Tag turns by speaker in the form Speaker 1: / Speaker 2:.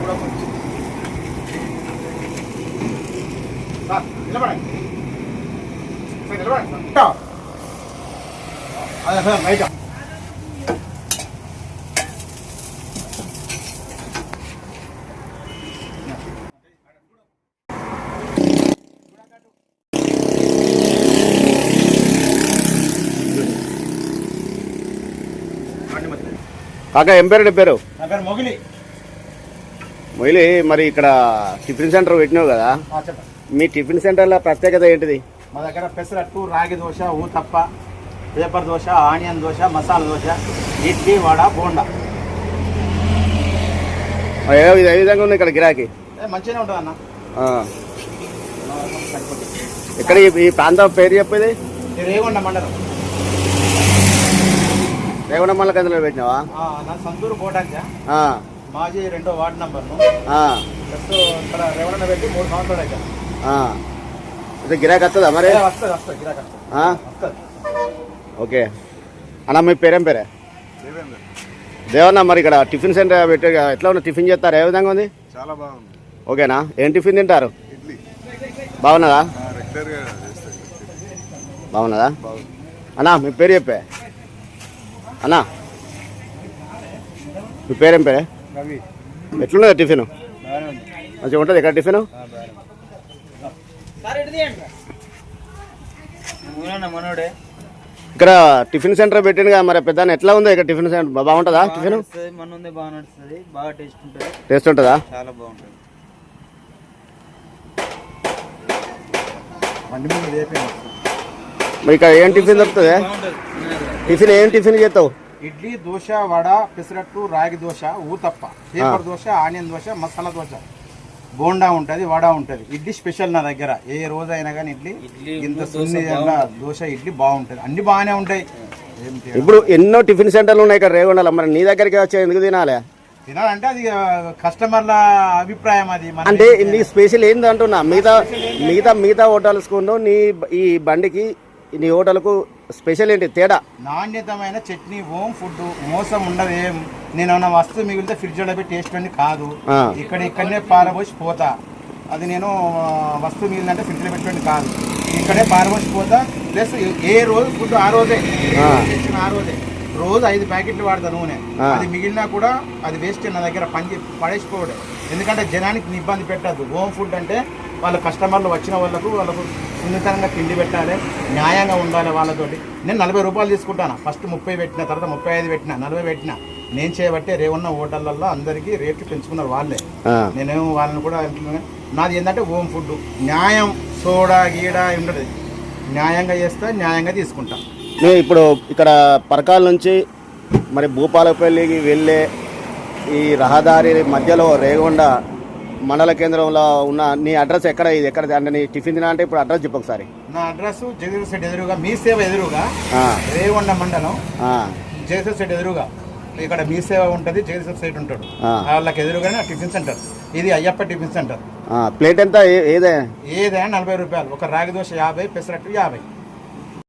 Speaker 1: కూడా కొంచెం నిలబడండి నిలబడండి అదే సార్ రైట్
Speaker 2: కాకా ఏం పేరు పేరు?
Speaker 1: నా పేరు మొగిలి.
Speaker 2: మొయిలి, మరి ఇక్కడ టిఫిన్ సెంటర్ పెట్టినావు కదా,
Speaker 1: చెప్పండి.
Speaker 2: మీ టిఫిన్ సెంటర్లో ప్రత్యేకత ఏంటిది?
Speaker 1: మా దగ్గర పెసరట్టు, రాగి దోశ, ఊతప్ప, పేపర్ దోశ, ఆనియన్ దోశ, మసాలా దోశ, ఇడ్లీ, వడ, బోండా.
Speaker 2: ఏ విధంగా ఉంది ఇక్కడ గిరాకీ?
Speaker 1: మంచిగానే ఉంటుంది అన్న.
Speaker 2: ఇక్కడ ఈ ప్రాంతం పేరు చెప్పేది?
Speaker 1: రేగొండ మండలం.
Speaker 2: రేగొండ మండలం కేంద్రంలో పెట్టినావా?
Speaker 1: నా సంతూరు కోటాంచ మాజీ 2వ వార్డు నంబర్ను. ఇక్కడ రేవణ పెట్టి 3 సంవత్సరాలు అయితే.
Speaker 2: గిరాకీ వస్తుందా మరి?
Speaker 1: వస్తుంది గిరాకీ వస్తుంది.
Speaker 2: ఓకే అన్న, మీ పేరేం పేరే? దేవన్న, మరి ఇక్కడ టిఫిన్ సెంటర్ పెట్టి ఎట్లా ఉంది? టిఫిన్ చేస్తారు, ఏ విధంగా ఉంది?
Speaker 3: చాలా బాగుంది.
Speaker 2: ఓకేనా? ఏం టిఫిన్ తింటారు?
Speaker 3: ఇడ్లీ.
Speaker 2: బాగున్నదా?
Speaker 3: రెగ్యులర్గా
Speaker 2: బాగున్నదా? అన్నా మీ పేరు చెప్పే అన్నా, మీ పేరేం పేరే?
Speaker 1: రవి.
Speaker 2: ఎట్లున్నది టిఫిన్? మంచిగా ఉంటుంది ఇక్కడ టిఫిన్? ఇక్కడ టిఫిన్ సెంటర్ పెట్టింది కదా, మరి పెద్ద ఎట్లా ఉంది ఇక్కడ టిఫిన్ సెంటర్? బాగుంటుందా టిఫిన్? టేస్ట్ ఉంటుందా?
Speaker 1: చాలా బాగుంటుంది.
Speaker 2: మరి ఇక్కడ ఏం టిఫిన్ దొరుకుతుంది? టిఫిన్ ఏం టిఫిన్ చేస్తావు?
Speaker 1: ఇడ్లీ, దోశ, వడ, పెసరట్టు, రాగి దోశ, ఊతప్ప, పేపర్ దోశ, ఆనియన్ దోశ, మసాలా దోశ, బోండా ఉంటుంది, వడ ఉంటుంది. ఇడ్లీ స్పెషల్ నా దగ్గర. ఏ రోజైనా కానీ ఇడ్లీ ఇంత సున్ని దోశ, ఇడ్లీ బాగుంటుంది. అన్ని బాగానే ఉంటాయి.
Speaker 2: ఇప్పుడు ఎన్నో టిఫిన్ సెంటర్లు ఉన్నాయి ఇక్కడ రేగొండలో, మరి నీ దగ్గరికి వచ్చి ఎందుకు తినాలి?
Speaker 1: తినాలంటే అది కస్టమర్ల అభిప్రాయం. అది
Speaker 2: అంటే నీ స్పెషల్ ఏంది అంటున్నా? మిగతా హోటల్స్ నీ ఈ బండికి, నీ హోటల్కు స్పెషల్ ఏంటి తేడా?
Speaker 1: నాణ్యతమైన చట్నీ, హోమ్ ఫుడ్, మోసం ఉండదు. ఏం నేను వస్తువు మిగిలితే ఫ్రిడ్జ్లో పెట్టి టేస్ట్ అని కాదు. ఇక్కడనే పారబోసి పోతా. అది నేను వస్తువు మిగిలిందంటే ఫ్రిడ్జ్లో పెట్టుకోండి కాదు, ఇక్కడే పారబోసి పోతా. ప్లస్ ఏ రోజు ఫుడ్ ఆ రోజే తెచ్చిన ఆ రోజే. రోజు 5 ప్యాకెట్లు వాడతా నూనె. అది మిగిలినా కూడా అది వేస్ట్ నా దగ్గర పడేసిపోవడం. ఎందుకంటే జనానికి ఇబ్బంది పెట్టద్దు. హోమ్ ఫుడ్ అంటే వాళ్ళ కస్టమర్లు వచ్చిన వాళ్ళకు సున్నితంగా తిండి పెట్టాలి, న్యాయంగా ఉండాలి వాళ్ళతోటి. నేను 40 రూపాయలు తీసుకుంటాను. ఫస్ట్ 30 పెట్టిన, తర్వాత 35 పెట్టిన, 40 పెట్టిన. నేను చేయబట్టే రేవున్న హోటళ్ళల్లో అందరికీ రేట్లు పెంచుకున్నారు వాళ్ళే. నేనేమో వాళ్ళని కూడా నాది ఏంటంటే హోమ్ ఫుడ్, న్యాయం, సోడా గీడా ఉండదు. న్యాయంగా చేస్తా, న్యాయంగా తీసుకుంటా.
Speaker 2: ఇప్పుడు ఇక్కడ పరకాల నుంచి మరి భూపాలపల్లికి వెళ్ళే ఈ రహదారి మధ్యలో రేగొండ మండల కేంద్రంలో ఉన్న నీ అడ్రస్ ఎక్కడ? ఇది ఎక్కడ అంటే నీ టిఫిన్ తినా అంటే ఇప్పుడు అడ్రస్ చెప్పు ఒకసారి.
Speaker 1: నా అడ్రస్ జగదీశ్వర సెట్ ఎదురుగా, మీ సేవ ఎదురుగా, రేగొండ మండలం, జగదీశ్వర సెట్ ఎదురుగా. ఇక్కడ మీ సేవ ఉంటుంది, జగదీశ్వర సెట్ ఉంటాడు, వాళ్ళకి ఎదురుగానే టిఫిన్ సెంటర్. ఇది అయ్యప్ప టిఫిన్ సెంటర్.
Speaker 2: ప్లేట్ ఎంత? ఏదైనా
Speaker 1: 40 రూపాయలు. ఒక రాగి దోశ 50, పెసరట్టు 50.